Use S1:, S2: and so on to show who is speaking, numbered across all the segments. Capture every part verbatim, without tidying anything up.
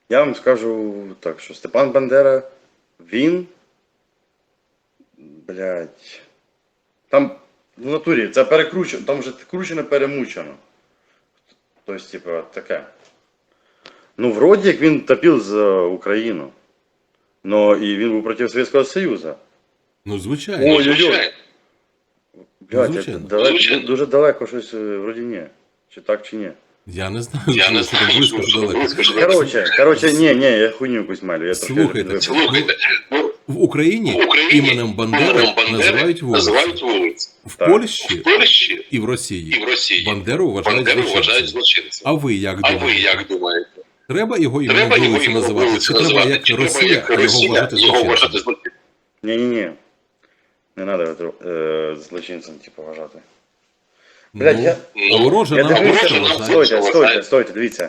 S1: Я вам скажу так, що Степан Бандера, він, блядь, там в натурі це перекручено, там вже кручено, перемучено. Тобто, типу, таке. Ну, вроді як він топив за Україну. Но і він був проти Совєтського Союзу.
S2: Ну, звичайно.
S1: Ой-ой-ой. Блядь,
S2: Звичайно.
S1: це далеко, дуже далеко щось, вроді ні. Чи так, чи ні.
S2: Я не знаю,
S3: Я не
S2: що
S3: знаю,
S2: там близько,
S3: що
S2: що
S3: там
S2: далеко.
S3: близько, що
S1: Короче, короче, ні, ні, я хуйню якусь малю. Я
S2: Слухайте,
S1: трошки...
S3: Слухайте, ну,
S2: В Україні,
S3: в Україні
S2: іменем Бандери
S3: іменем Бандери
S2: називають вулиці.
S3: називають вулиці.
S2: В
S1: Так.
S2: Польщі
S3: В Польщі
S2: і в Росії,
S3: і в Росії
S2: Бандеру вважають
S3: Бандеру вважають
S2: злочинцем.
S3: злочинцем.
S2: А ви як
S3: А ви
S2: думаєте?
S3: як думаєте?
S2: Треба його іменем
S3: Треба його
S2: вулиці
S3: ім'я
S2: називати?
S3: вулиці
S2: Чи треба
S3: називати?
S2: як
S3: Чи треба
S2: Росія,
S3: як
S2: його
S3: Росія
S2: вважати
S3: його вважати
S2: злочинцем?
S3: злочинцем?
S1: Ні-ні-ні. Не треба е, злочинцем, типу, вважати. Блядь, я...
S2: Ну, ворожа
S1: Я
S2: нам
S1: дивився,
S2: просто
S3: нам
S2: вважає.
S1: стойте,
S3: вважає.
S1: стойте, стойте, дивіться.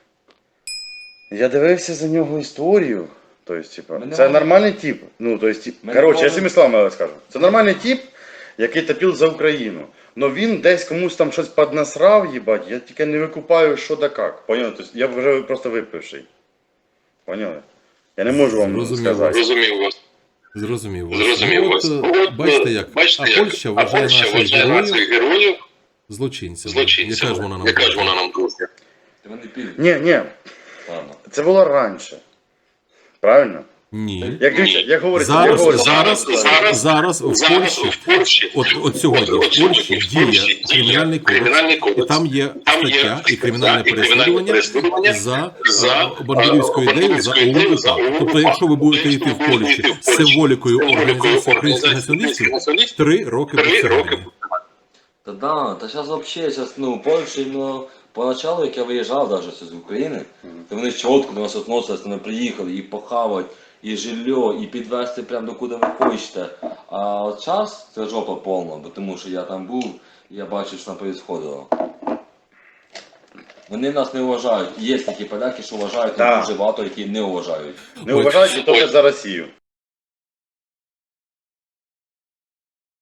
S1: Я дивився за нього історію. Тобто, типу,
S4: Мене
S1: це
S4: мало-
S1: нормальний тип. Ну, тобто, тип...
S4: Мене
S1: коротше, я
S4: мало-
S1: цими словами скажу. Це нормальний тип, який топив за Україну. Но він десь комусь там щось поднасрав, їбать, я тільки не викупаю, що да як. Поняли? Тобто, я вже просто випивший. Поняли? Я не можу вам
S2: Зрозумів
S1: сказати.
S3: Розумів вас.
S2: Зрозумів вас.
S3: Зрозумів
S2: Ну,
S3: вас.
S2: от,
S3: От,
S2: е, бачите як,
S3: бачите,
S2: а
S3: як?
S2: Польща
S3: А
S2: вважає
S3: Польща
S2: наших
S3: вважає
S2: героїв
S3: наших героїв
S2: злочинцями.
S3: злочинцями.
S2: Яка ж вона нам
S3: Яка ж
S2: дружня?
S3: вона нам дружня?
S4: Вони підуть.
S1: Ні, ні,
S4: Ладно.
S1: це було раніше. Правильно?
S2: Ні.
S1: Як дивіться, як говорить, як
S2: Зараз,
S1: говорить,
S2: зараз,
S3: зараз-
S2: зараз в
S3: Зараз
S2: Польщі,
S3: в Польщі,
S2: от, от сьогодні в
S3: от
S2: Польщі
S3: сьогодні в Польщі
S2: діє
S3: діє
S2: кримінальний
S3: Кримінальний
S2: кодекс, і
S3: кодекс.
S2: там є
S3: Там є
S2: стаття і
S3: стаття
S2: кримінальне
S3: і кримінальне
S2: переслідування
S3: переслідування
S2: за,
S3: за,
S2: е, бандерівську
S3: е,
S2: ідею, за
S3: бандерівську ідею,
S2: ОУН.
S3: за ОУН.
S2: Тобто, якщо ви будете йти в Польщі
S3: Будете йти в
S2: з
S3: Польщі
S2: символікою
S3: з символікою
S2: організації українських
S3: організації
S2: націоналістів,
S3: націоналістів,
S2: три роки
S3: три роки
S2: працювання.
S4: Та да, та зараз взагалі, зараз, ну, Польща, ну, поначалу, як я виїжджав даже з України, то вони чітко до нас відносились, вони приїхали і похавати, і жилье, і підвезти прямо до куди ви хочете. А от час це жопа повна, бо тому що я там був, і я бачив, що там происходило. Вони нас не вважають. Є такі поляки, що вважають,
S1: Так.
S4: але дуже багато, які не вважають.
S1: не вважають, що це за Росію.